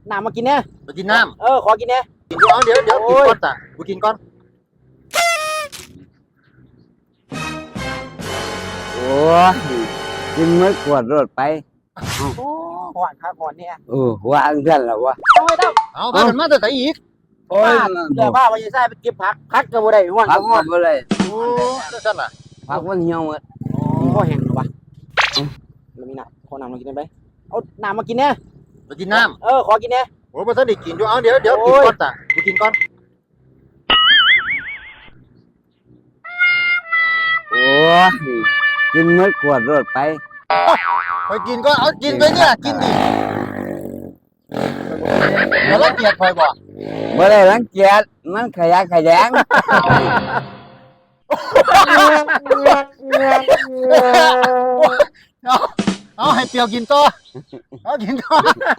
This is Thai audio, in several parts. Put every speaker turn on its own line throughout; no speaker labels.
น้ำมากินเนี่ย
ไปกินน้
ขอกินเนี่ย
ำกินกูเอาเดี๋ยวกินก่อนจ้ะกูกินก่อน
โอ้ยกินมื้อกวดรถไป
โอ้หวานครับหวานเนี่ย
ว่าอังกันแล้ววะ
เอาไว้ต้อง
เอาพากันมาแต่ไหนอีก
โอ้ย
เดี๋ยวผ้าไปใส่ไปเก็บพักก็บ่ได้หวาน
พักหมดบ่เลย
โอ้สั่นน่ะ
พักมันเหี่ยวหมด
พ่อแห้งหรอวะแล้วมีน้ำขอน้ำมากินได้ไหมเอาน้ำมากินเนี่ย
ไปกินน้
ำขอกินเนี่ย
โอ้ยมาสนิทกินอยู่เอาเดี๋ยวกินก่อนจ้ะกูกินก่อน
โอ้ยกินมื้อกวดรถไป
ไปกินก็เอากินไปเนี่ยกินดิแล้วรังเกียจคอยบ่
บ่ได้รังเกียจมันขยะแขยง
เอาให้เปียวกินต่อเอากินต่อ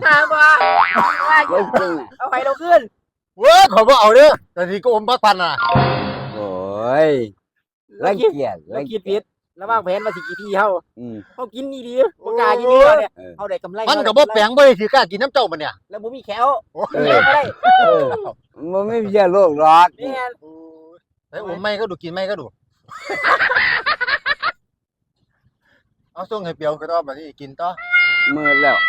เอาไปเราขึ้น
เว้ยขอบ่เอาเด้อแต่ทีก็อมพักพันน่ะ
โอ้ยรังเกียจ
รังเกียจผิดแล้ววางแผนมาสิกี่ทีเขากินดีๆบ่กล้ากินดีเนี่ยเอาได้กำไร
มันก็บ่แปลงบ่ได้สิกล้ากินน้ำเจ้ามันเนี่ย
แล้วบ่มีแขวบ่ได้
มันไม่ใช่โรคหรอก
นี่
ไอ้อมไม่ก็ดูกินไม่ก็ดูเอาส่งให้เปียวก็ต้องแบบนี้กินต่อ
มืดแล้ว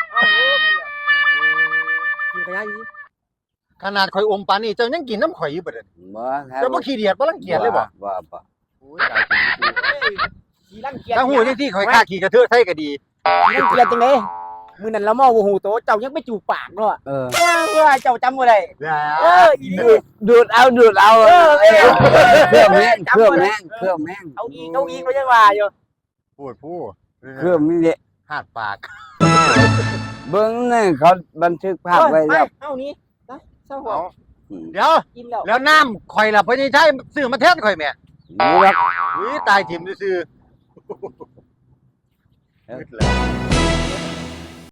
กินขยะอยู่
ขนาดข่อยอมปานนี้เจ้ายังกินน้ำข่อยอยู่บ่เด้อ
บ่ครับ
เจ้าบ่ขี้เดียดบ่รังเกียจเลยบ่
โอ้
ยตาย
ขี้รังเกียจ
ถ้าหูจังซี่ข่อยฆ่าขี้กระเทอะไทยก็ดี
รังเกียจจังได๋มื้อนั้นเราเมาบ่ฮู้โตเจ้ายังไปจูบปากเนาะเจ้าจำบ่ได้
ดูดเอาเครื่องแม่ง
เอาอีกก็ยังว่าอยู่
พูด
เครื่องนี่แหละ
หาดปาก
เบิ่งนี่เขาบันทึกภาพไว้แล้ว
เอานี่นะเศร้าหัว
เดี๋ยว
กิน
แล้วน้ำข่อยล่ะเพิ่นสิใช้ซื้อมาแทนข่อยแม่
นี่ครับ
อุ้ยตายถิ่มซื่อ